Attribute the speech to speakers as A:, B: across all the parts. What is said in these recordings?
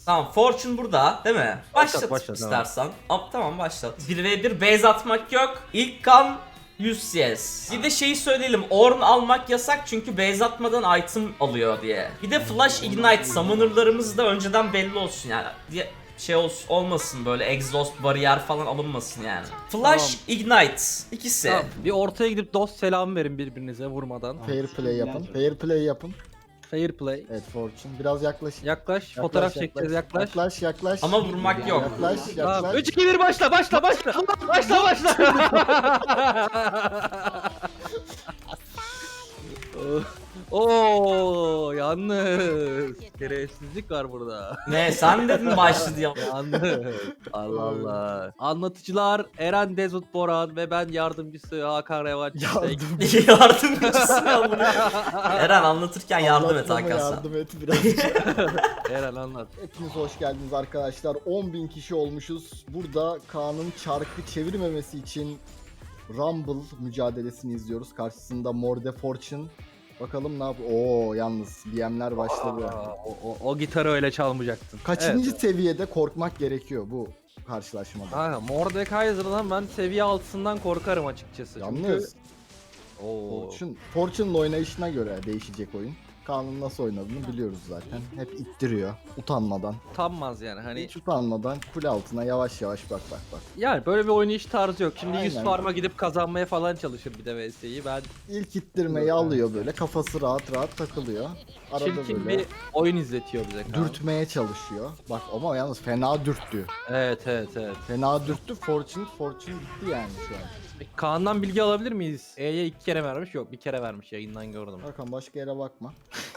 A: Tamam, Fortune burada değil mi? Başlat
B: başlat,
A: istersen. Tamam başlat. 1v1 base atmak yok. İlk kan 100 CS. Bir de şeyi söyleyelim. Ornn almak yasak çünkü base atmadan item alıyor diye. Bir de Flash Ignite summoner'larımız da önceden belli olsun yani. Diye şey olmasın, böyle exhaust bariyer falan alınmasın yani. Flash Ignite ikisi.
B: Tamam, bir ortaya gidip dost selamı verin birbirinize vurmadan.
C: Fair play yapın. Fair play yapın.
B: Fair play.
C: Evet Fortune. Biraz yaklaşın.
B: Yaklaş, fotoğraf çekeceğiz, yaklaş.
C: Yaklaş yaklaş.
A: Ama vurmak yok.
C: Yaklaş
B: Tamam,
C: yaklaş.
B: 3 2 1 başla. Başla. Oo, yalnız şerefsizlik var burada.
A: Ne, sen dedin başladı ya.
B: Yalnız. Allah Allah. Anlatıcılar Eren Dezut Boran ve ben yardımcısı Hakan Revaç.
A: Yardımcısı ya bunu. Eren anlatırken yardım et
C: Anlatmama
A: Hakan sen.
C: yardım et birazcık.
B: Eren anlat.
C: Hepiniz hoş geldiniz arkadaşlar. 10.000 kişi olmuşuz. Burada Kaan'ın çarkı çevirmemesi için Rumble mücadelesini izliyoruz. Karşısında Morde Fortune. Bakalım ne yapıyor. Oo yalnız BM'ler başladı.
B: O gitarı öyle çalmayacaktın.
C: Kaçıncı
B: Evet.
C: seviyede korkmak gerekiyor bu karşılaşmada?
B: Kanka Mordekaiser'dan ben seviye altısından korkarım açıkçası.
C: Yalnız
B: Oo.
C: Fortune'ın oynayışına göre değişecek oyun. Kaan'ın nasıl oynadığını biliyoruz zaten. Hep ittiriyor utanmadan.
B: Utanmaz yani hani.
C: Hiç utanmadan kule altına yavaş yavaş bak.
B: Yani böyle bir oynayış tarzı yok. Şimdi 100
C: Aynen.
B: farma gidip kazanmaya falan çalışır bir de VS'yi. Ben
C: İlk ittirmeyi alıyor böyle. Kafası rahat takılıyor. Arada
B: çirkin
C: böyle
B: bir oyun izletiyor bize. Kaan.
C: dürtmeye çalışıyor. Bak ama yalnız fena dürttü.
B: Evet.
C: Fena dürttü. Fortune gitti yani şu an.
B: Peki, Kaan'dan bilgi alabilir miyiz? E'ye 2 kere vermiş, yok bir kere vermiş, yayından gördüm.
C: Hakan başka yere bakma.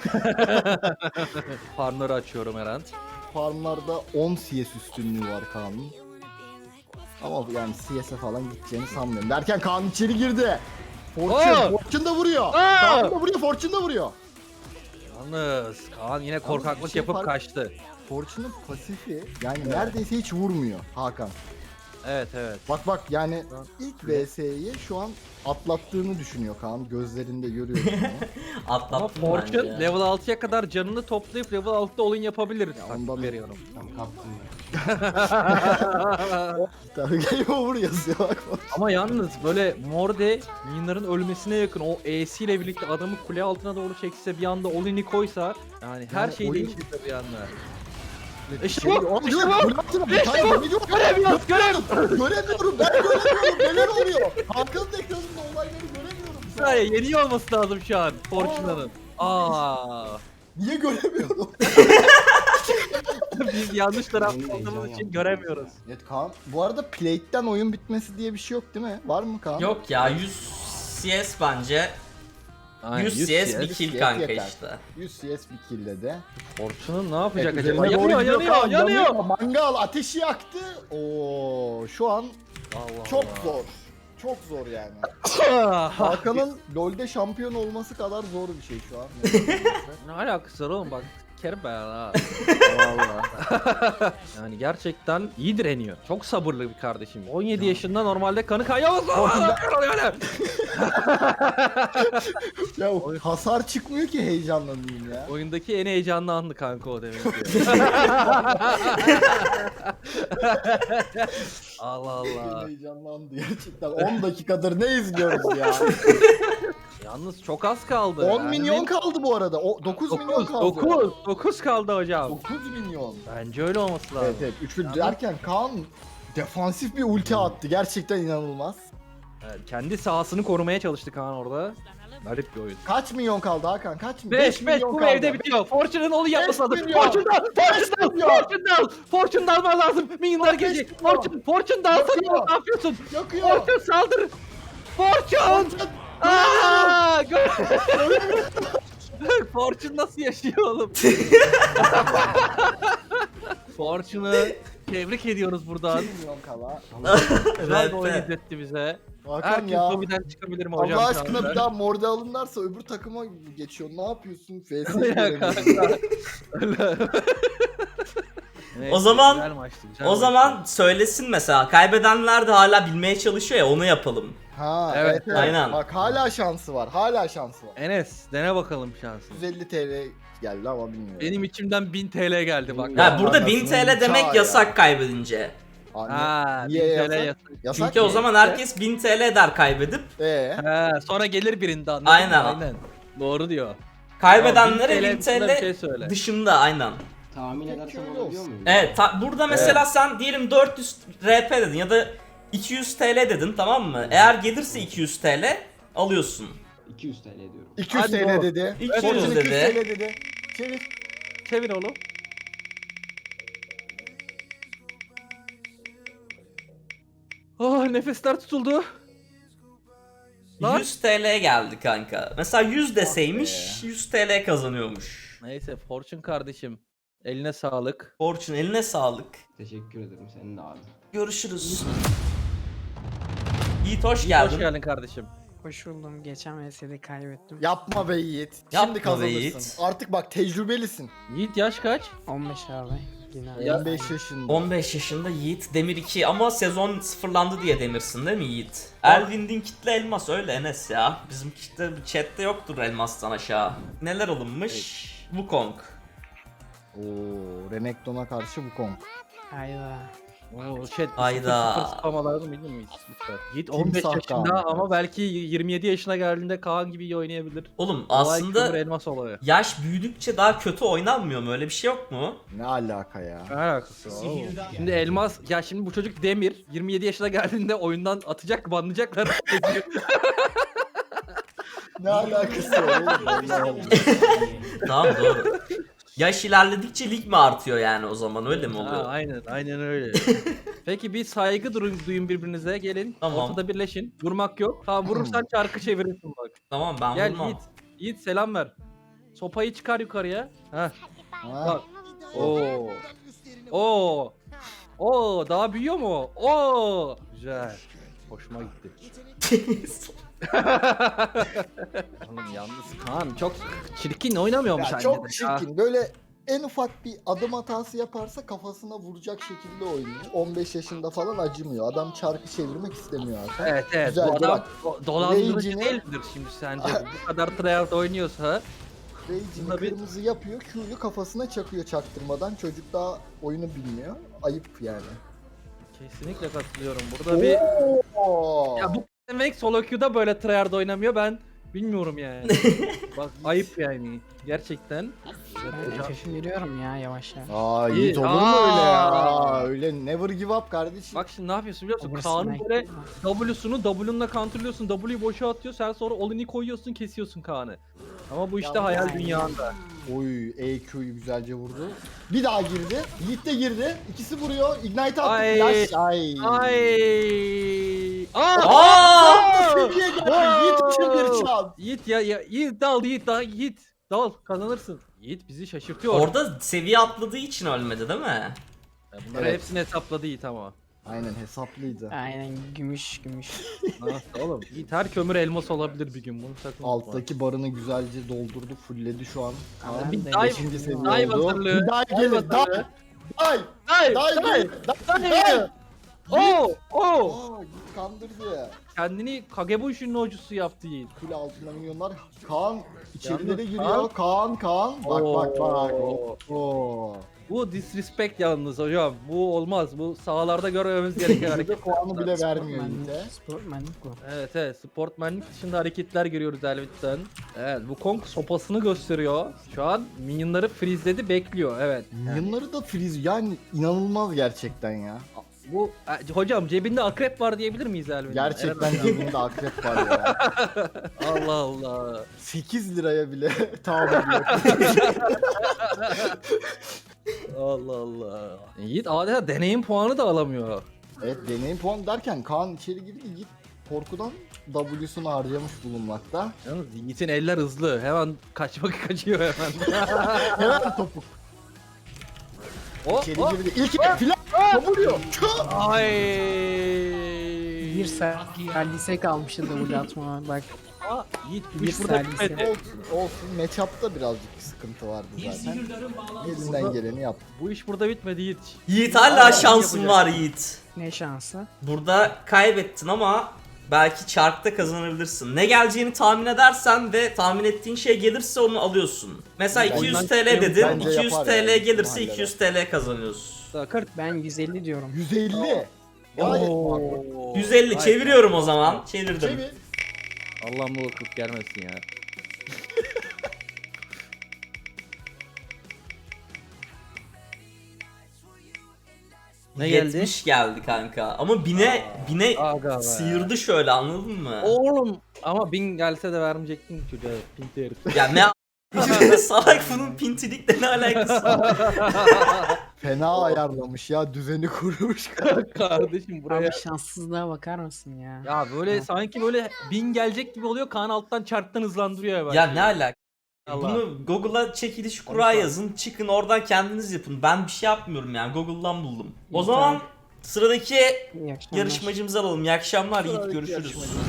B: Farmları açıyorum Eren.
C: Farmlarda 10 CS üstünlüğü var Kaan'ın. Ama yani CS'e falan gideceğini sanmıyorum. Derken Kaan içeri girdi. Fortune da vuruyor. Kaan da vuruyor, Fortune da vuruyor.
B: Yalnız Kaan yine korkaklık
C: bir şey
B: yapıp
C: fark-
B: kaçtı.
C: Fortune'ın pasifi yani neredeyse hiç vurmuyor Hakan.
B: Evet.
C: Bak yani ilk VS'yi şu an atlattığını düşünüyor Kaan. Gözlerinde görüyorum bunu.
B: Ama
A: Atlattım
B: Fortune
A: bence.
B: level 6'ya kadar canını toplayıp level 6'da oyun yapabilir.
C: ondan-
B: veriyorum.
C: Game over yazıyor bak.
B: Ama yalnız böyle Morde minionların ölmesine yakın o E'si ile birlikte adamı kule altına doğru çekse, bir anda Olin'i koysa yani her
C: Yani
B: şey
C: oyun-
B: değişir bir anda. İşte
C: Şey,
B: bu,
C: oğlum,
B: işte
C: dur,
B: bu.
C: kule altına bir
B: İşte
C: tane
B: bu.
C: video-
B: Göremiyoruz.
C: Göremiyorum ben göremiyorum neler oluyor. Hakan'ın ekranında olayları göremiyorum. şu an.
B: Hayır, yeniyor olması lazım şu an Fortune'ın.
C: Niye göremiyorum?
B: Biz yanlış tarafta olduğumuz için göremiyoruz.
C: Evet Kaan. Bu arada plate'den oyun bitmesi diye bir şey yok değil mi? Var mı Kaan?
A: Yok ya, 100 CS bence. 100 CS bir kill kanka
C: yeter.
A: işte.
C: 100 CS bir kill'de de.
B: Fortune'ın ne yapacak
C: Evet,
B: acaba?
C: üzerine doğru gidiyor Kaan,
B: Yanıyor.
C: Mangal ateşi yaktı. Oo, şu an
B: Allah
C: çok
B: Allah.
C: zor. Çok zor yani.
B: Ah,
C: Hakan'ın LoL'de şampiyon olması kadar zor bir şey şu an.
B: Ne alakası var oğlum, bak sikerim ben ha. Vallahi. Yani gerçekten iyi direniyor. Çok sabırlı bir kardeşim. 17 yaşında normalde kanı kaynamaz.
C: Ya hasar çıkmıyor ki heyecanlanayım ya.
B: Oyundaki en heyecanlı andı kanka o demek ki. Allah Allah.
C: Heyecanlandı gerçekten. 10 dakikadır ne izliyoruz ya?
B: Yalnız çok az kaldı.
C: 10 milyon kaldı bu arada. 9 milyon kaldı.
B: 9 kaldı hocam.
C: 9 milyon.
B: Bence öyle olması lazım.
C: Evet. Üçlü derken Kaan defansif bir ulti attı. Gerçekten inanılmaz.
B: Evet, kendi sahasını korumaya çalıştı Kaan orada. Garip bir oyun.
C: Kaç milyon kaldı Hakan? Kaç milyon?
B: 5 bu evde bitiyor. Fortune'ın onu yapması lazım.
C: milyon.
B: Fortune dalman lazım. Minyonlar gelecek. Fortune dalsana,
C: Yakıyor.
B: ne yapıyorsun?
C: Yakıyor.
B: Fortune saldır. Fortune! Aaa! Fortune nasıl yaşıyor oğlum? Fortune'ı tebrik ediyoruz buradan.
C: 2 milyon kala.
B: Güzel bir oyun
A: Evet.
B: izletti bize.
C: Hakan
B: Herkes
C: ya.
B: lobiden çıkabilir mi hocam?
C: Allah
B: şu
C: aşkına
B: anda?
C: bir daha morde alınlarsa öbür takıma geçiyor. Ne yapıyorsun? FS'yi
B: Ya kanka.
C: göremiyorum.
B: Neyse,
A: O zaman-
B: güzel maçtı, güzel
A: O
B: maçtı.
A: zaman söylesin mesela. Kaybedenler de hala bilmeye çalışıyor ya, onu yapalım.
C: Ha
B: Evet,
C: evet, evet.
A: aynen.
C: Bak hala şansı var. Hala şansı var.
B: Enes dene bakalım şansını.
C: 150 TL geldi ama bilmiyorum.
B: Benim içimden 1000 TL geldi bak.
C: Ya
A: Ya burada 1000
C: anasının
A: TL demek
C: çağı
A: yasak
C: ya.
A: kaybedince.
C: Anne,
B: Ha,
C: niye
B: 1000
C: yasak?
B: TL yasak.
C: Yasak
A: Çünkü o
C: mı?
A: zaman herkes 1000 TL der kaybedip.
B: Ha, sonra gelir birinde anladın
A: Aynen.
B: mı? Aynen. Doğru diyor.
A: Kaybedenlere
B: Ya,
A: 1000
B: 1000 dışında bir şey
A: TL
B: söyle.
A: dışında aynen.
D: Tahmin
C: Peki,
D: edersem
C: öyle
D: olabiliyor
C: olsun.
D: muyum?
A: Evet burada mesela sen diyelim 400 RP dedin ya da 200 TL dedin, tamam mı? Eğer gelirse 200 TL alıyorsun.
D: 200 TL diyorum.
C: 200
B: Hadi
C: TL
B: baba.
C: dedi.
A: 200
C: Fortune
A: dedi.
C: 200 TL dedi. Çevir.
B: Çevir oğlum. Oh, nefesler tutuldu. Lan.
A: 100 TL geldi kanka. Mesela 100
C: Ah
A: deseymiş 100 TL kazanıyormuş.
B: Neyse Fortune kardeşim. Eline sağlık.
A: Fortune eline sağlık.
D: Teşekkür ederim senin de abi.
A: Görüşürüz. Yiğit hoş geldin.
B: Hoş geldin kardeşim.
E: Hoş buldum. Geçen VS'de kaybettim.
C: Yapma be Yiğit.
A: Yapma
C: Şimdi
A: be
C: kazanırsın.
A: Yiğit.
C: Artık bak tecrübelisin.
B: Yiğit yaş kaç?
E: 15 abi. Yine
B: Ya-
C: 15 yaşında.
A: 15 yaşında Yiğit Demir 2 ama sezon sıfırlandı diye Demir'sin değil mi Yiğit? Elvin kitle elmas öyle Enes ya. Bizim kitle chatte yoktur elmastan aşağı. Neler alınmış? Wukong.
C: Oo, Renekton'a karşı Wukong.
E: Hayda.
B: Oo, chat.
A: Hayda.
B: Sıfır spamalarını bilmiyor muyuz? Lütfen. Yiğit
C: Timsah
B: 15 yaşında
C: Kaan.
B: ama belki 27 yaşına geldiğinde Kaan gibi iyi oynayabilir.
A: Oğlum
B: Olay kömür
A: aslında
B: elmas olayı.
A: yaş büyüdükçe daha kötü oynanmıyor mu? Öyle bir şey yok mu?
C: Ne alaka ya?
B: Ne alakası var oğlum? Şimdi elmas, ya şimdi bu çocuk Demir 27 yaşına geldiğinde oyundan atacak, banlayacaklar.
C: Ne alakası var oğlum? Allah Allah.
A: Tamam doğru. Yaş ilerledikçe lig mi artıyor yani o zaman öyle mi
B: Ha,
A: oluyor?
B: aynen öyle. Peki bir saygı duyun birbirinize, gelin.
A: Tamam.
B: Ortada birleşin. Vurmak yok. Ha vurursan çarkı çevirirsin bak.
A: Tamam ben
B: Gel
A: vurmam.
B: Yiğit. Yiğit selam ver. Sopayı çıkar yukarıya. Heh.
C: Ha,
B: Bak. Oo. Oo. Oo, daha büyüyor mu? Oo. Güzel. Hoşuma gitti. Oğlum yalnız Kaan çok çirkin oynamıyormuş
C: ya çok
B: harbiden.
C: çirkin. Böyle en ufak bir adım hatası yaparsa kafasına vuracak şekilde oynuyor. 15 yaşında falan acımıyor. Adam çarkı çevirmek istemiyor artık.
B: Evet
C: Güzel,
B: bu adam
C: bak.
B: dolandırıcı
C: Rage'ini-
B: değildir şimdi sence. Bu kadar tryhard oynuyorsa.
C: Rage'ini
B: Bunda bir-
C: kırmızı yapıyor. Q'yu kafasına çakıyor çaktırmadan. Çocuk daha oyunu bilmiyor. Ayıp yani.
B: Kesinlikle katılıyorum. Burada bir...
C: Oo.
B: Ya bu demek solo queue'da böyle tryhard oynamıyor, ben bilmiyorum yani. Bak ayıp yani. Gerçekten.
E: Ben FF'i veriyorum ya yavaş yavaş.
C: Aa
B: İyi.
C: Yiğit olur mu öyle ya?
B: Aa.
C: Öyle never give up kardeşim.
B: Bak şimdi ne yapıyorsun biliyor musun?
E: Oversnack.
B: Kaan'ın böyle W'sunu W'nunla counterlıyorsun, W'yu boşa atıyor, sen sonra all-in'i koyuyorsun, kesiyorsun Kaan'ı. Ama bu işte
C: Ya,
B: hayal
E: yani.
B: dünyanda.
C: Oy EQ'yu güzelce vurdu. Bir daha girdi. Yiğit de girdi. İkisi vuruyor. Ignite attı.
B: Ay.
C: Flash. Ay.
B: Ay!
A: Aa!
C: Seviye geldi. Yiğit için bir çal.
B: Yiğit ya Yiğit dal Yiğit dal kazanırsın. Yiğit bizi şaşırtıyor.
A: Orada seviye atladığı için ölmedi değil mi?
B: Ya bunları
C: Evet.
B: hepsini hesapladı Yiğit ama.
C: Aynen hesaplıydı.
E: Aynen gümüş.
B: Nasıl oğlum? Yiğit her kömür elmas olabilir bir gün, bunu sakın unutma.
C: Alttaki barını güzelce doldurdu. Fulledi şu an.
E: Ama
B: bir
E: ben de
B: dive-
E: geçen
C: İkinci
E: gün
C: seviye
B: dive
C: oldu.
B: hazırlığı.
C: Bir daha
B: Dive
C: gelir.
B: hazırlığı.
C: Dive.
B: Hayır!
C: Dive.
B: Hayır!
C: Dive.
B: Oo! Oo!
C: Aa Yiğit kandırdı.
B: Kendini Kagebushi'nin hocusu yaptı Yiğit.
C: Kule altında milyonlar. Kaan içerilere
B: Yalnız
C: giriyor. Kaan. Bak bak bak.
B: Oo.
C: Oo.
B: Bu disrespect yalnız hocam. Bu olmaz. Bu sahalarda görmemiz gereken hareket.
C: Burada puanı bile vermiyor Yiğit'e.
E: Sportmanlık bu.
B: Evet, sportmenlik dışında hareketler görüyoruz Elbit'ten. Evet, bu Kong sopasını gösteriyor. Şu an minyonları freezeledi, bekliyor. Evet.
C: Minyonları da freeze yani inanılmaz gerçekten ya.
B: Bu hocam cebinde akrep var diyebilir miyiz Elbit'ten?
C: Gerçekten cebinde akrep var ya.
B: Allah Allah.
C: 8 liraya bile tahammül yok.
B: Allah Allah. Yiğit adeta deneyim puanı da alamıyor.
C: Evet deneyim puan derken Kaan içeri girdi Yiğit korkudan W'sunu harcamış bulunmakta.
B: Yalnız Yiğit'in eller hızlı. Hemen kaçıyor hemen.
C: Hemen topuk
B: O,
C: içeri
B: o.
C: girdi. İlk filan vuruyor.
B: Ay.
E: Bir salise kalmıştı double atma bak.
B: Aa, Yiğit bu
E: Bir
B: iş burada
E: salise.
B: bitmedi.
C: Olsun matchup'ta birazcık sıkıntı vardı zaten. Elinden geleni yaptı.
B: Bu iş burada bitmedi Yiğit.
A: Yiğit hala
B: Aa,
A: şansın
B: yapacak.
A: var Yiğit.
E: Ne şansı.
A: Burada kaybettin ama Belki çarkta kazanabilirsin. Ne geleceğini tahmin edersen ve tahmin ettiğin şey gelirse onu alıyorsun. Mesela
C: Bence
A: 200 TL dedin.
C: bence
A: 200
C: yapar
A: TL
C: ya,
A: gelirse
C: halleder.
A: 200 TL kazanıyorsun.
B: Sakır.
E: Ben 150 diyorum.
C: 150. Gayet makul.
A: 150 çeviriyorum o zaman. Çevirdim.
C: Çevir.
B: Allah'ım bu vakıf gelmesin ya. Ne geldi?
A: 70 geldi kanka. Ama bine
B: Aga be.
A: sıyırdı şöyle, anladın mı?
B: Oğlum ama 1000 gelse de vermeyecektin çocuğa. Pinti herif.
A: Ya ne salak, bunun pintilikle ne alakası var?
C: Fena ayarlamış ya, düzeni kurmuş.
B: Kardeşim buraya.
E: Abi şanssızlığa bakar mısın ya?
B: Ya böyle sanki böyle 1000 gelecek gibi oluyor. Kaan alttan çarktan hızlandırıyor ya.
A: Ya ne alaka?
B: Allah.
A: Bunu Google'a çekiliş kura yazın, çıkın oradan kendiniz yapın. Ben bir şey yapmıyorum yani, Google'dan buldum. O
E: İyi,
A: zaman
E: tamam.
A: sıradaki
E: İyi akşamlar.
A: yarışmacımızı alalım. İyi akşamlar Yiğit,
C: Sıradaki
A: görüşürüz.
C: yarışmacı.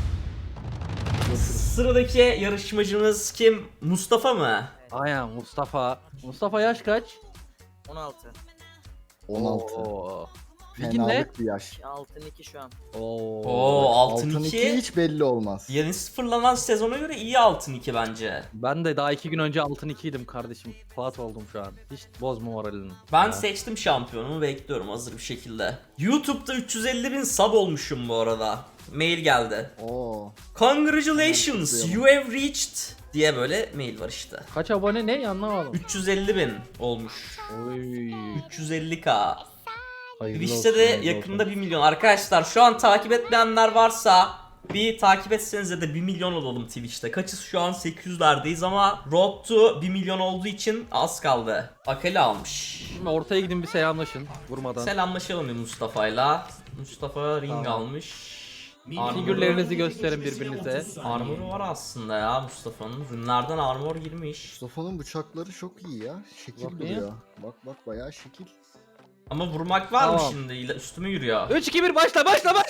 A: Sıradaki yarışmacımız kim? Mustafa mı?
B: Aynen Mustafa. Mustafa yaş kaç?
F: 16.
C: 16.
B: Oo. Ligin ne?
C: Fenalık bir yaş.
F: Altın 2 şu an.
A: Oo, altın
C: Altın 2
A: 2.
C: hiç belli olmaz.
A: Yeni sıfırlanan sezona göre iyi altın 2 bence.
B: Ben de daha 2 gün önce altın 2'ydim kardeşim. Fuat oldum şu an. Hiç bozma moralini.
A: Ben
B: Ya.
A: seçtim şampiyonumu, bekliyorum hazır bir şekilde. YouTube'da 350.000 sub olmuşum bu arada. Mail geldi.
C: Oo.
A: Congratulations, you have reached diye böyle mail var işte.
B: Kaç abone ne anlamadım.
A: 350.000 olmuş.
B: Oy.
A: 350k.
B: Hayırlı
A: Twitch'te
B: olsun,
A: de
B: hayırlı
A: yakında
B: olsun.
A: 1 milyon. Arkadaşlar şu an takip etmeyenler varsa bir takip etsenize de 1 milyon olalım Twitch'te. Kaçız şu an 800'lerdeyiz ama Road to 1 milyon olduğu için az kaldı. Akali almış.
B: Şimdi ortaya gidin bir selamlaşın vurmadan.
A: Selamlaşalım bir Mustafa'yla. Mustafa ring
C: Tamam.
A: almış.
B: Figürlerinizi gösterin birbirinize.
A: Armoru var aslında ya Mustafa'nın. Rünlerden armor girmiş.
C: Mustafa'nın bıçakları çok iyi ya. Şekil
B: Bakayım.
C: duruyor. Bak bak bayağı şekil.
A: Ama vurmak var mı
B: Tamam.
A: şimdi? Üstüme yürüyor.
B: 3 2 1 başla.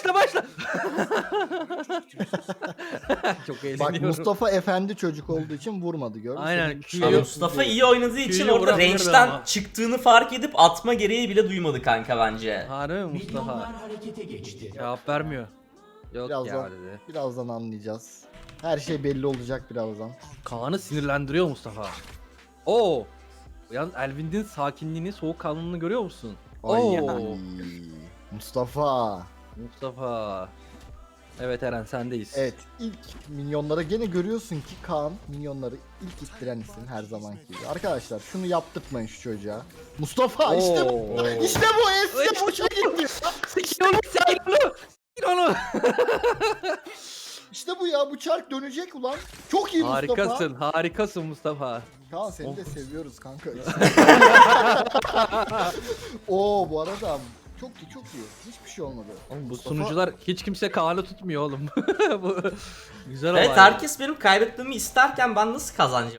B: Çok
C: Bak
B: eğleniyorum.
C: Mustafa efendi çocuk olduğu için vurmadı, gördün mü?
B: Aynen,
C: Senin
B: Q'yu-
A: Ama
C: şerefsizliği.
A: Mustafa iyi oynadığı için
B: Q'yu
A: orada
B: vurabilirdi
A: range'den
B: ama.
A: çıktığını fark edip atma gereği bile duymadı kanka bence.
B: Harbi mi Mustafa? Cevap vermiyor. Yok ya
C: Birazdan,
B: dedi.
C: birazdan anlayacağız. Her şey belli olacak birazdan.
B: Kaan'ı sinirlendiriyor Mustafa. Oo. Yalnız Elvin'in sakinliğini, soğukkanlılığını görüyor musun?
C: Ay,
B: Oo.
C: Mustafa.
B: Mustafa. Evet Eren sendeyiz.
C: Evet, ilk minyonlara gene görüyorsun ki Kaan minyonları ilk ittiren isim her zamanki gibi. Arkadaşlar şunu yaptırtmayın şu çocuğa. Mustafa işte bu.
B: Oo.
C: İşte bu eski boşa gitti.
B: Sikin onu, sikin onu.
C: İşte bu ya, bu çark dönecek ulan. Çok iyi Mustafa.
B: Harikasın, harikasın Mustafa.
C: Kaan seni de seviyoruz kanka. Oo bu arada çok iyi, çok iyi. Hiçbir şey olmadı.
B: Oğlum bu
C: Mustafa-
B: sunucular hiç kimse Kaan'ı tutmuyor oğlum. Bu güzel
A: Evet,
B: olay.
A: herkes benim kaybetmemi isterken ben nasıl kazanacağım?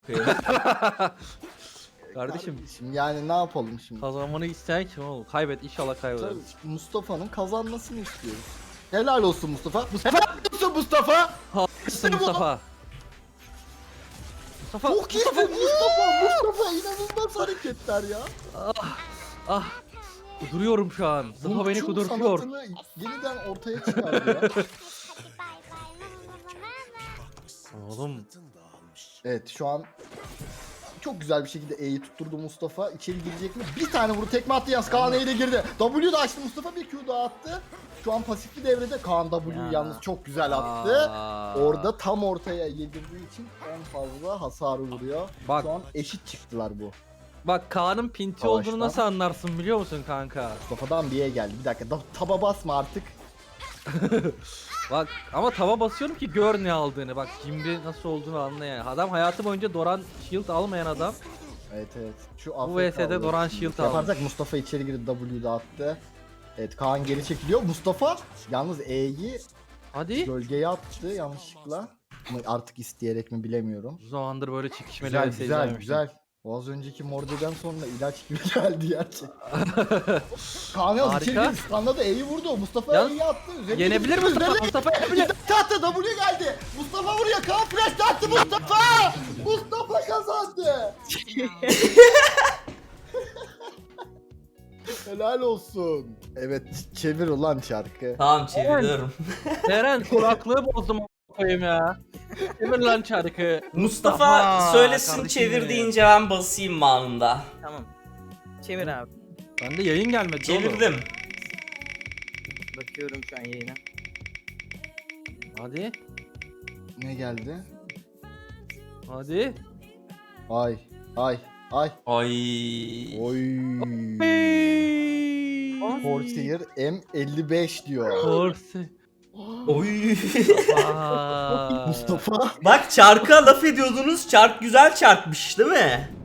B: Kardeşim
C: Yani ne yapalım şimdi?
B: kazanmanı isteyen kim oğlum? Kaybet inşallah kaybeder.
C: Tabii, Mustafa'nın kazanmasını istiyoruz. Helal olsun Mustafa. Helal olsun Mustafa.
B: Harikasın
C: bu.
B: Mustafa. Mustafa,
C: Çok iyi
B: Mustafa.
C: Mustafa inanılmaz hareketler ya.
B: Ah. Duruyorum şu an. Mustafa beni
C: Burç'un
B: kudurtuyor.
C: sanatını yeniden ortaya çıkardı ya.
B: Oğlum.
C: Evet şu an çok güzel bir şekilde E'yi tutturdu Mustafa. İçeri girecek mi? Bir tane vuru tekme attı yalnız. Kaan E'yle girdi. W da açtı Mustafa, bir Q daha attı. Şu an pasifli devrede. Kaan W
B: Ya.
C: yalnız çok güzel attı.
B: Aa.
C: Orada tam ortaya yedirdiği için en fazla hasarı vuruyor.
B: Bak.
C: Şu an eşit çıktılar bu.
B: Bak Kaan'ın pinti
C: Savaştan.
B: olduğunu nasıl anlarsın biliyor musun kanka?
C: Mustafa'dan bir E geldi. Bir dakika taba basma artık.
B: Bak ama tava basıyorum ki gör ne aldığını. Bak Jimri nasıl olduğunu anla yani. Adam hayatı boyunca Doran Shield almayan adam.
C: Evet evet. Şu
B: Bu
C: AFK
B: VS'de
C: alıyor.
B: Doran Shield
C: Yaparsak Mustafa içeri girdi, W'da attı. Evet Kaan geri çekiliyor. Mustafa yalnız E'yi
B: Hadi.
C: gölgeye attı yanlışlıkla. Ama artık isteyerek mi bilemiyorum.
B: Uzun zamandır böyle çekişmeli
C: Güzel
B: VS
C: güzel
B: izlememiştim.
C: güzel. O az önceki Morde'den sonra ilaç gibi geldi gerçekten. Kaan yalnız içeri
B: Harika.
C: girdi. Standa da E'yi vurdu. Mustafa
B: Yalnız
C: E'yi attı. Üzerine
B: Yenebilir
C: gitti.
B: Mustafa.
C: Üzerine
B: Mustafa yenebilir.
C: Attı, W geldi. Mustafa vuruyor. Kaan flash attı Mustafa. Mustafa kazandı. Helal olsun. Evet çevir ulan çarkı.
A: Tamam çeviriyorum.
B: Eren kulaklığı bozdum koyayım ya. Çevir lan çarkı.
A: Mustafa söylesin
B: kardeşim
A: çevir
B: benim.
A: deyince ben basayım anında.
F: Tamam. Çevir abi.
B: Bende yayın gelmedi oğlum.
A: Çevirdim.
F: Bakıyorum şu an yayına.
B: Hadi.
C: Ne geldi?
B: Hadi.
C: Ay. Ay.
A: Ay.
C: Oy. Corsair M55 diyor.
B: Korsi.
A: Oy.
C: Mustafa.
A: Bak çarka laf ediyordunuz. Çark güzel çarkmış değil mi?